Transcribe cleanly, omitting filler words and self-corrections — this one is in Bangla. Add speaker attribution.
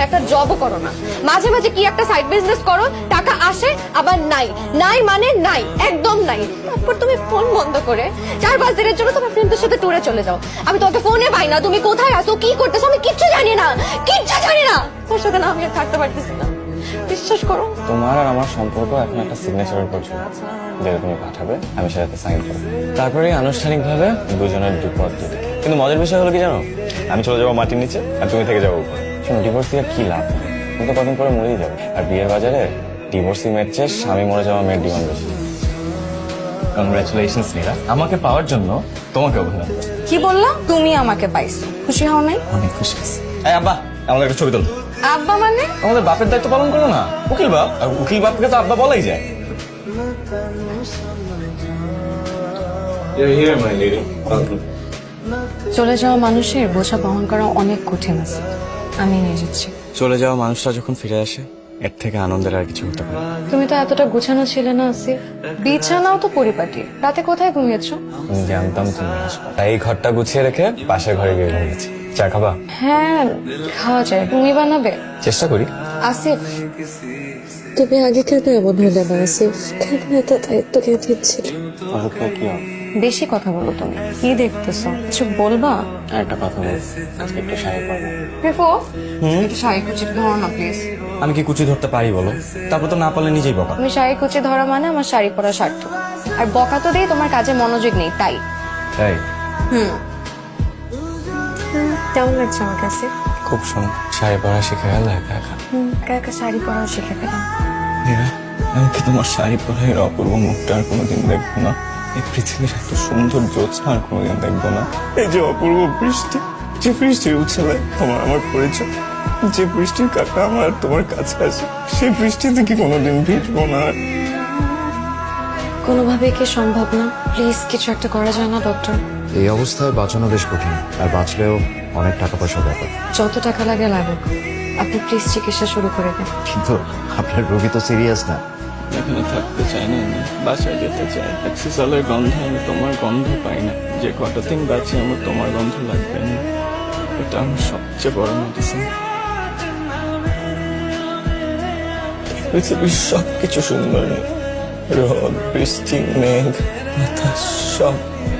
Speaker 1: একটা জবও করো না, মাঝে মাঝে কি একটা সাইড বিজনেস করো, টাকা আসে আবার নাই, নাই মানে নাই, একদম নাই। তারপর তুমি ফোন বন্ধ করে 4-5 দিনের জন্য তোমার ফ্রেন্ডদের সাথে ট্যুরে চলে যাও। আমি তোমাকে ফোনে পাই না, তুমি কোথায় আছো, কি করতেছো, আমি কিচ্ছু জানি না, কিচ্ছু জানি না। তোর সাথে না আমি আর থাকতে পারতেছি না, বিশ্বাস করো।
Speaker 2: তোমার আর আমার সম্পর্ক এখন একটা সিগনেচারের উপর ছিল, যেটা তুমি পাঠাবে আমি সেটাতে সাইন করবো, তারপরে আনুষ্ঠানিকভাবে দুজনের দুপথ দুদিকে। কিন্তু মজার বিষয় হলো কি জানো, আমি চলে যাবো মাটির নিচে আর তুমি থেকে যাবো উপরে। শোনো, ডিভোর্স দিয়ে কি লাভ, তুমি তো কদিন পরে মরেই যাবে। আর বিয়ের বাজারে ডিভোর্সি মেয়ের চেয়ে স্বামী মরে যাওয়া মেয়ের ডিমান্ড বেশি। কংগ্রাচুলেশনস নীরা, আমাকে পাওয়ার জন্য তোমাকে অভিনন্দন।
Speaker 1: কি বললা? তুমি আমাকে পাইছো, খুশি হও নাই?
Speaker 2: অনেক খুশি আছি। এই আব্বা, আমাদের একটা ছবি তোলো।
Speaker 1: আব্বা মানে?
Speaker 2: আমাদের বাপের দায়িত্ব পালন করো না, উকিল বাপ। আর উকিল বাপকে তো আব্বা বলাই যায়।
Speaker 1: চলে যাওয়া মানুষের বোঝা বহন করা অনেক কঠিন আছে, আমি নিয়ে যাচ্ছি।
Speaker 2: চলে যাওয়া মানুষরা যখন ফিরে আসে, এর থেকে আনন্দের আর কিছু হতে পারে না।
Speaker 1: তুমি তো এতটা গুছানো ছিলে না আসিফ, বিছানাও তো পরিপাটি। রাতে কোথায় ঘুমিয়েছো?
Speaker 2: আমি জানতাম তুমি আসবে, তাই এই ঘরটা গুছিয়ে রেখে পাশের ঘরে গিয়ে ঘুমিয়েছি। চা খাবা?
Speaker 1: হ্যাঁ খাওয়া যায়, তুমি বানাবে?
Speaker 2: চেষ্টা করি।
Speaker 1: আসিফ,
Speaker 3: তুমি আগে কেন এমন হলে না আসিফ? কেন এত দায়িত্ব কে দিচ্ছিল?
Speaker 2: কি হবে?
Speaker 1: বেশি কথা বলো তুমি, কি দেখতেছো, কিছু বলবা?
Speaker 2: আর একটা কথা বল, আজকে একটু শাড়ি পরবো।
Speaker 1: রেফো, একটু শাড়ি কুচি ধরো না প্লিজ।
Speaker 2: আমি কি কুচি ধরতে পারি বলো? তারপর তো না পারলে নিজেই বকা।
Speaker 1: তুমি শাড়ি কুচি ধরা মানে আমার শাড়ি পরা সার্থক। আর বকা তো দিয়ে তোমার কাজে মনোযোগ নেই তাই।
Speaker 2: তাই?
Speaker 1: কেমন লাগছে আমার কাছে?
Speaker 2: খুব সুন্দর। শাড়ি পরা শিখে গেল একা একা।
Speaker 1: একা একা শাড়ি পরাও শিখে গেলাম।
Speaker 2: মীরা, আমি কি তোমার শাড়ি পরা এর অপূর্ব মুখটা আর কোনোদিন দেখবো না? এই পৃথিবীর এত সুন্দর জ্যোৎস্না আর কোনোদিন দেখবো না? এই যে অপূর্ব বৃষ্টি, যে বৃষ্টির উচ্ছলে তোমার আমার পরিচয়, যে বৃষ্টির কাকা আমার আর তোমার কাছে আসে, সেই বৃষ্টিতে কি কোনোদিন ভিজবো না?
Speaker 1: কোনোভাবেই কি সম্ভব না? প্লিজ কিছু একটা করা যায় না ডক্টর?
Speaker 4: এই অবস্থায় বাঁচানো বেশ কঠিন, আর বাঁচলেও অনেক টাকা পয়সার ব্যাপার।
Speaker 1: যত টাকা লাগে লাগুক, আপনি প্লিজ চিকিৎসা শুরু করে দেন।
Speaker 4: কিন্তু আপনার রোগী তো সিরিয়াস না।
Speaker 2: এখানে থাকতে চাই না আমি, বাসায় যেতে চাই। অ্যাক্সেসলের গন্ধে আমি তোমার গন্ধ পাই না। যে কটা দিন বাঁচি আমার তোমার গন্ধ লাগবে না, এটা আমার সবচেয়ে বড় মেডিসিন। পৃথিবীর সবকিছু সুন্দর, রোদ, বৃষ্টি, মেঘ, বাতাস, সব